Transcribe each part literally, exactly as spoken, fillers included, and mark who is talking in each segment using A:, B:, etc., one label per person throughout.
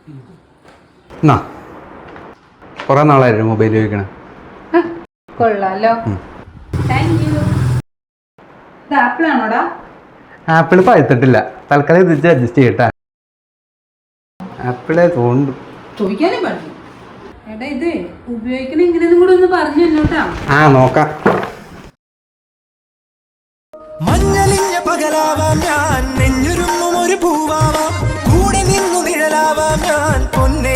A: എന്നാ കുറെ നാളായിരുന്നു മൊബൈൽ ഉപയോഗിക്കണേ.
B: കൊള്ളാലോ. ആപ്പിളാണോടാ?
A: ആപ്പിള് പഴുത്തിട്ടില്ല, തൽക്കാലം ഇത് അഡ്ജസ്റ്റ് ചെയ്യട്ടെ. ആപ്പിളെ തോണ്ടു
B: ചോദിക്കാനും പാടില്ല. എടാ ഇത് ഉപയോഗിക്കണ എങ്ങനെയാന്നും കൂടെ ഒന്ന് പറഞ്ഞു തന്നോട്ടാ.
A: ആ നോക്കാം.
C: മഞ്ഞളിഞ്ഞ പകലാവാം ഞാൻ, നെഞ്ഞുരുങ്ങും ഒരു പൂവാവാം, കൂടെ നിന്നു നിഴലാവാം ഞാൻ പൊന്നേ.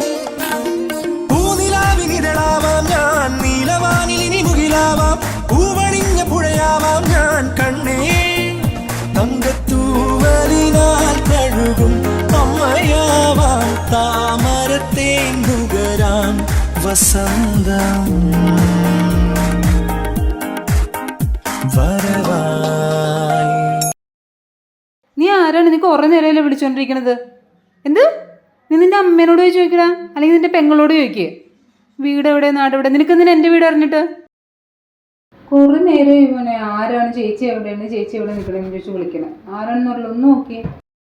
C: പൂനിലാവിനിതളാവാം ഞാൻ, നീലവാനിലിനി മുകിലാവാം, പൂവണിഞ്ഞ പുഴയാവാം ഞാൻ കണ്ണേ. തങ്കത്തൂവലിനാൽ കഴുകും അമ്മയാവാം, താമരത്തേന്തുകരാം വസന്തം വരവായി.
B: നീ ആരാണ്? നീ കുറെ നേരമല്ലേ വിളിച്ചോണ്ടിരിക്കണത്? എന്ത്? നീ നിന്റെ അമ്മേനോട് പോയി ചോദിക്കടാ, അല്ലെങ്കിൽ നിന്റെ പെങ്ങളോട് ചോദിക്കേ. വീട് എവിടെ, നാടെവിടെ? നിനക്ക് എന്തിനാ എന്റെ വീട് അറിഞ്ഞിട്ട്? കുറെ നേരം മോനെ ആരാണ്, ചേച്ചി എവിടെയാണ്, ചേച്ചി എവിടെ നിൽക്കണെന്ന് ചോദിച്ചു വിളിക്കണം. ആരാണെന്നുള്ള ഒന്ന് നോക്കിയേ.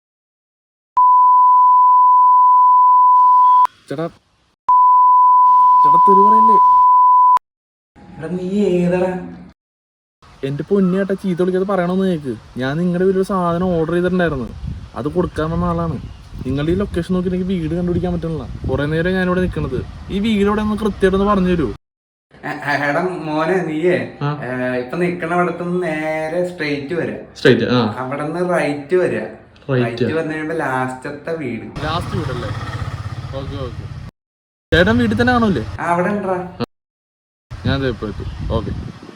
D: ചേട്ടാ ചേട്ടാ തെറി പറയല്ലേ.
A: നീ ഏതാ?
D: എന്റെ പൊന്നിയേട്ടാ ചീത്ത വിളിക്കാതെ പറയണമെന്ന് കേക്ക്. ഞാൻ നിങ്ങളുടെ വീട്ടിൽ ഒരു സാധനം ഓർഡർ ചെയ്തിട്ടുണ്ടായിരുന്നു, അത് കൊടുക്കാൻ വന്ന ആളാണ്. നിങ്ങളുടെ ഈ ലൊക്കേഷൻ നോക്കി എനിക്ക് വീട് കണ്ടുപിടിക്കാൻ പറ്റുന്നില്ല. കുറെ നേരം ഞാനിവിടെ നിൽക്കുന്നത്. ഈ വീട് ഇവിടെ ഒന്ന് കൃത്യമായിട്ടൊന്ന് പറഞ്ഞു തരൂ.
A: എടാ മോനെ, നീയേ ഇപ്പൊ നിക്കണ അവിടത്ത് നേരെ സ്ട്രെയിറ്റ് വരാ.
D: സ്ട്രൈറ്റ്
A: അവിടെ നിന്ന് റൈറ്റ് വരാ. റൈറ്റ് വന്നു കഴിയുമ്പോ ലാസ്റ്റത്തെ വീട്.
D: ലാസ്റ്റ് വീടല്ലേ? Okay okay. ചേട്ടൻ വീട്ടിൽ തന്നെ ആണല്ലേ?
A: അവിടെ ഉണ്ടാ.
D: ഞാൻ എത്തും. ഓക്കെ.